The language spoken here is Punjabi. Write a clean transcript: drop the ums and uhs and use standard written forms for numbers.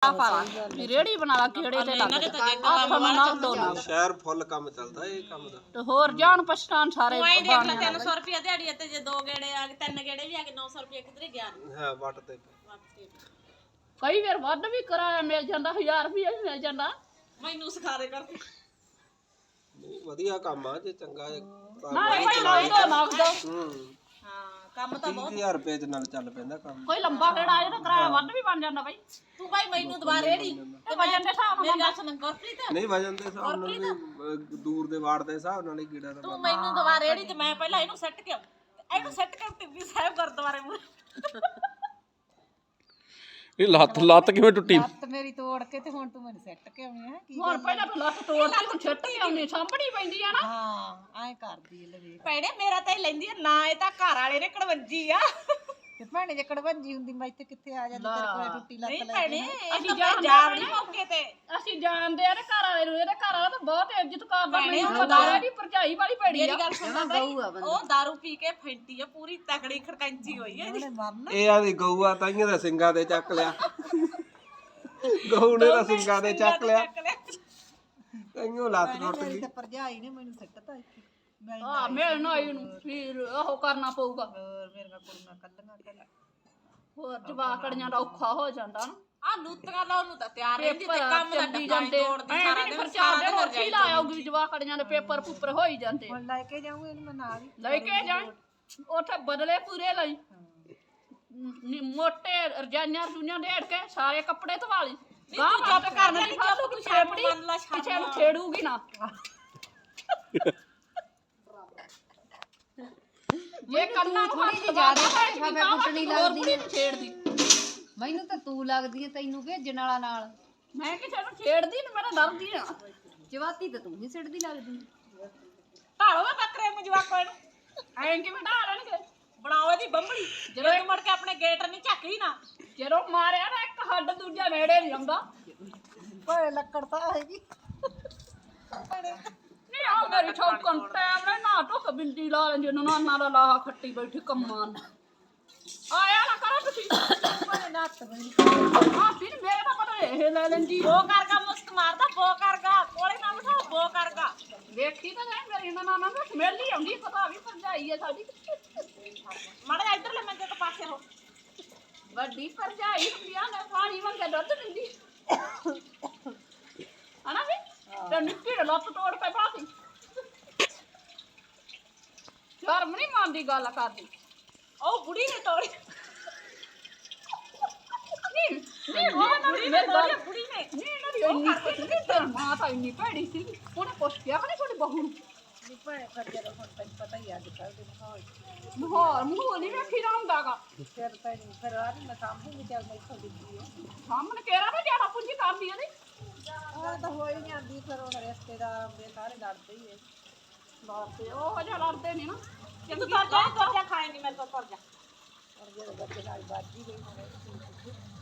ਰੇੜੀ ਬਣਾ ਲਾ ਕਿਹੜੇ ਤੇ ਲੱਗ ਹੱਥ ਨਾਲ ਦੋ ਨਾ ਸ਼ਹਿਰ ਫੁੱਲ ਕੰਮ ਚੱਲਦਾ ਇਹ ਕੰਮ ਦਾ ਤੇ ਹੋਰ ਜਾਣ ਪਛਤਾਨ ਸਾਰੇ ਕੋਈ ਦੇਖ ਲੈ 300 ਰੁਪਏ ਦਿਹਾੜੀ ਤੇ ਜੇ 2 ਗੇੜੇ ਆ ਗਏ 3 ਗੇੜੇ ਵੀ ਆ ਗਏ 900 ਰੁਪਏ ਕਿਧਰੇ ਗਿਆ ਹਾਂ ਵੱਟ ਤੇ ਕਈ ਵਾਰ ਵੱਧ ਵੀ ਕਰਾਇਆ ਮਿਲ ਜਾਂਦਾ 1000 ਰੁਪਏ ਵੀ ਮਿਲ ਜਾਂਦਾ ਮੈਨੂੰ ਸਿਖਾ ਦੇ ਕਰਕੇ ਨਹੀਂ ਵਧੀਆ ਕੰਮ ਆ ਜੇ ਚੰਗਾ ਨਾ ਕੋਈ ਲੱਗ ਦੋ ਹਾਂ ਕੰਮ ਤਾਂ ਬਹੁਤ 30000 ਰੁਪਏ ਦੇ ਨਾਲ ਚੱਲ ਪੈਂਦਾ ਕੰਮ ਕੋਈ ਲੰਬਾ ਕਿਹੜਾ ਆਏ ਤਾਂ ਕਿਰਾਇਆ ਵੱਧ ਵੀ ਬਣ ਜਾਂਦਾ ਬਾਈ ਤੂੰ ਭਾਈ ਮੈਨੂੰ ਦੁਬਾਰਾ ਰੇੜੀ ਤੇ ਵਜਨ ਦੇ ਹਿਸਾਬ ਨਾਲ ਮੇਰੀ ਗੱਲ ਸੁਣ ਗੁਰਪ੍ਰੀਤ ਨਹੀਂ ਵਜਨ ਦੇ ਹਿਸਾਬ ਨਾਲ ਵੀ ਦੂਰ ਦੇ ਵਾੜ ਦੇ ਹਿਸਾਬ ਨਾਲ ਹੀ ਕੀੜਾ ਦਾ ਤੂੰ ਮੈਨੂੰ ਦੁਬਾਰਾ ਰੇੜੀ ਤੇ ਮੈਂ ਪਹਿਲਾਂ ਇਹਨੂੰ ਸੈੱਟ ਕਿਉਂ ਇਹਨੂੰ ਸੈੱਟ ਕਰ ਟਿੱਬੀ ਸਾਹਿਬ ਗੁਰਦੁਆਰੇ ਮੂਹਰੇ ਇਹ ਲੱਤ ਕਿਵੇਂ ਟੁੱਟੀ ਲੱਤ ਮੇਰੀ ਤੋੜ ਕੇ ਤੇ ਹੁਣ ਤੂੰ ਮੈਨੂੰ ਸੈੱਟ ਕੇ ਆਉਣੀ ਹੈ ਕੀ ਹੁਣ ਪਹਿਲਾਂ ਤੂੰ ਲੱਤ ਤੋੜ ਕੇ ਤੂੰ ਛੱਟ ਕੇ ਆਉਣੀ ਸਾਂਭਣੀ ਪੈਂਦੀ ਆ ਨਾ ਹਾਂ ਐਂ ਕਰਦੀ ਲੈ ਵੇਖ ਭੈਣੇ ਮੇਰਾ ਤਾਂ ਇਹ ਲੈਂਦੀ ਆ ਨਾ ਇਹ ਤਾਂ ਘਰ ਵਾਲੇ ਨੇ ਕੜਵੰਜੀ ਆ ਤੇ ਭੈਣੇ ਜੇ ਕੜਵੰਜੀ ਹੁੰਦੀ ਮੈਂ ਇੱਥੇ ਕਿੱਥੇ ਆ ਜਾਂਦੀ ਤੇਰੇ ਕੋਲ ਟੁੱਟੀ ਲੱਤ ਨਹੀਂ ਲੈ ਭੈਣੇ ਅਸੀਂ ਅਸੀਂ ਜਾਣਦੇ ਜਾਵੜੀ ਮੌਕੇ ਤੇ ਅਸੀਂ ਜਾਣਦੇ ਆ ਤੇ ਘਰ ਵਾਲੇ ਨੂੰ ਇਹਦੇ ਘਰ ਵਾਲਾ ਤਾਂ ਬਹੁਤ ਇੱਜ਼ਤ ਕਰਦਾ ਭੈਣੇ, ਮੈਨੂੰ ਪਤਾ ਹੈ ਵੀ ਭਰਜਾਈ ਵਾਲੀ ਭੈੜੀ ਮੇਰੀ ਆ ਗੱਲ ਸੁਣਦਾ ਬਾਈ ਉਹ दारू ਪੀ ਕੇ ਫੈਂਟੀ ਆ ਪੂਰੀ ਤਕੜੀ ਖੜਕੰਚੀ ਹੋਈ ਹੈ ਇਹਦੀ ਮਰਨ ਇਹ ਆਦੀ ਗਊ ਆ ਤਾਈਆਂ ਦਾ ਸਿੰਘਾਂ ਦੇ ਚੱਕ ਲਿਆ ਗਊ ਨੇ ਤਾਂ ਸਿੰਘਾਂ ਦੇ ਚੱਕ ਲਿਆ ਤਾਈਆਂ ਲੱਤ ਟੁੱਟ ਮੇਰੀ ਗਈ ਤੇ ਭਰਜਾਈ ਨੇ ਮੈਨੂੰ ਸੱਟਤਾ ਇੱਥੇ ਮੈਂ ਹਾਂ ਮਿਲਣਾ ਇਹਨੂੰ ਫਿਰ ਉਹ ਕਰਨਾ ਪਊਗਾ ਹੋਰ ਮੇਰੀਆਂ ਕੁੜੀਆਂ ਕੱਲੀਆਂ ਕੱਲ ਹੋਰ ਜਵਾਕੜੀਆਂ ਦਾ ਔਖਾ ਹੋ ਜਾਂਦਾ ਨਾ ਆ ਲੂਤੀਆਂ ਲਾਉਣ ਨੂੰ ਤਾਂ ਤਿਆਰ ਰਹਿੰਦੀ ਤੇ ਪੇਪਰ ਕੰਮ ਦਾ ਚੱਲੀ ਡੱਕਾ ਜਾਂਦੇ ਤੋੜਦੀ ਐ ਸਾਰਾ ਵੀ ਦਿਨ ਖਰਚਾ ਦੇ ਰੋਟੀ ਲਾ ਆਉਗੀ ਜਵਾਕੜੀਆਂ ਦੇ ਪੇਪਰ ਪੁੱਪਰ ਹੋਈ ਜਾਂਦੇ ਹੁਣ ਲੈ ਕੇ ਜਾਊਂ ਇਹਨੂੰ ਮੈਂ ਨਾਲ ਹੀ ਲੈ ਕੇ ਜਾਣ ਉੱਥੇ ਬਦਲੇ ਪੂਰੇ ਲਈ ਮੋਟੇ ਰਜਾਈਆਂ ਰਜੂਈਆਂ ਢੇੜ ਕੇ ਸਾਰੇ ਕੱਪੜੇ ਧਵਾ ਲਈ ਗਾਂ ਚੁੱਪ ਕਰ ਨਹੀਂ ਫਾਲੂ ਕੁਛ ਛੇਪੜੀ ਕਿਸੇ ਨੂੰ ਛੇੜੂਗੀ ਨਾ ਜੇ ਕੰਨਾਂ ਨੂੰ ਥੋੜੀ ਜਿਹੀ ਜ਼ਿਆਦਾ ਫਾਫੇ ਕੁੱਟਣੀ ਲੱਗਦੀ ਛੇੜਦੀ ਮੈਨੂੰ ਤਾਂ ਤੂੰ ਲੱਗਦੀ ਐ ਤੈਨੂੰ ਭੇਜਣ ਵਾਲਾ ਨਾਲ ਮੈਂ ਕਿਸੇ ਨੂੰ ਛੇੜਦੀ ਨਾ ਮੇਰਾ ਡਰਦੀ ਆ ਜਵਾਤੀ ਤਾਂ ਤੂੰ ਹੀ ਸਿੱਟਦੀ ਲੱਗਦੀ ਢਾਲੋ ਵੇ ਬੱਕਰੇ ਨੂੰ ਜਵਾਕੋ ਇਹਨੂੰ ਐਂ ਕਿਵੇਂ ਢਾਲਣਗੇ ਬਣਾਓ ਇਹਦੀ ਬੰਬੜੀ ਜਦੋਂ ਤੂੰ ਮੁੜ ਕੇ ਆਪਣੇ ਗੇਟ ਨਹੀਂ ਝੱਕਦੀ ਨਾ ਜਦੋਂ ਮਾਰਿਆ ਨਾ ਇੱਕ ਹੱਡ ਦੂਜਾ ਨੇੜੇ ਨਹੀਂ ਆਉਂਦਾ ਭਾਵੇਂ ਲੱਕੜ ਤਾਂ ਆਏਗੀ ਨਹੀਂ ਆ ਮੇਰੀ ਛੌਕਣ ਟਾਈਮ ਨਾਲ ਨਾ ਟੁੱਕ ਬਿੰਦੀ ਲਾ ਲੈਂਦੀ ਉਹਨੂੰ ਨਾਨਾ ਦਾ ਲਾਹਾ ਖੱਟੀ ਬੈਠੀ ਕੰਮਾਂ ਨੂੰ ਆਇਆ ਨਾ ਕਰੋ ਤੁਸੀਂ ਭਾਵੇਂ ਨੱਤ ਬਣੀ ਹਾਂ ਫਿਰ ਮੇਰੇ ਤਾਂ ਪਤਾ ਇਹ ਲੈ ਲੈਂਦੀ ਬੋ ਕਰਗਾ ਮੁਸਕ ਮਾਰਦਾ ਬੋ ਕਰਗਾ ਕੋਲੇ ਨਾ ਬਿਠਾ ਬੋ ਕਰਗਾ ਵੇਖੀ ਤਾਂ ਜਾਏ ਮੇਰੀ ਨਾਨਾ ਨੂੰ ਸਮੈਲ ਹੀ ਆਉਂਦੀ ਪਤਾ ਵੀ ਭਰਜਾਈ ਹੈ ਸਾਡੀ ਮਾੜਾ ਜਿਹਾ ਇੱਧਰਲੇ ਮੰਜੇ ਤੋਂ ਪਾਸੇ ਹੋ ਵੱਡੀ ਭਰਜਾਈ ਹੁੰਦੀਆਂ ਨੇ ਪਾਣੀ ਮੰਗੇ ਦੁੱਧ ਦਿੰਦੀ ਹਨਾ ਵੀ ਤੇ ਨਿੱਕੀ ਦੇ ਲੱਤ ਤੋੜ ਕੇ ਪਾਤੀ ਸ਼ਰਮ ਨਹੀਂ ਮੰਨਦੀ ਗੱਲ ਕਰਦੀ ਉਹ ਬੁੜੀ ਨੇ ਤੋੜੀ ਨਹੀਂ ਉਹ ਨਾ ਬੁੜੀ ਨੇ ਮੇਰੇ ਤੋੜੀ ਗੱਲ ਬੁੜੀ ਨੇ ਨਹੀਂ ਨਾ ਵੀ ਇੰਨੀ ਕੁਛ ਤੇ ਮਾਂ ਤਾਂ ਇੰਨੀ ਭੈੜੀ ਸੀ ਉਹਨੇ ਪੁੱਛ ਗਿਆ ਕਿ ਤੁਹਾਡੀ ਬਹੂ ਨੂੰ ਵੀ ਭਾਵੇਂ ਫਿਰ ਜਦੋਂ ਹੁਣ ਤੈਨੂੰ ਪਤਾ ਹੀ ਅੱਜ ਕੱਲ੍ਹ ਦੇ ਮਾਹੌਲ ਮਾਹੌਲ ਮੂੰਹ ਨਹੀਂ ਵੇਖੀ ਦਾ ਹੁੰਦਾਗਾ ਫਿਰ ਤੈਨੂੰ ਫਿਰ ਆ ਵੀ ਮੈਂ ਸਾਂਭੂਗੀ ਚੱਲ ਮੈਂ ਇੱਥੋਂ ਦਿੱਤੀ ਹੈ ਸਾਹਮਣੇ ਕਿਹੜਾ ਵੀ ਜ਼ਿਆਦਾ ਪੁੰਜੀ ਕਰਦੀ ਉਹਦੀ ਉਹ ਤਾਂ ਹੋ ਹੀ ਜਾਂਦੀ ਫਿਰ ਹੁਣ ਰਿਸ਼ਤੇਦਾਰ ਆਉਂਦੇ ਸਾਰੇ ਲੜਦੇ ਹੀ ਐ ਬਾਪੇ ਉਹ ਜਿਹਾ ਲੜਦੇ ਨਹੀਂ ਨਾ ਤੂੰ ਤੁਰ ਜਾ ਖਾਏ ਨਹੀਂ ਮੇਰੇ ਤੋਂ ਤੁਰ ਜਾ ਔਰ ਜਿਹੜੇ ਬੱਚੇ ਨਾਲ ਬਾਜੀ ਗਈ ਹੁਣ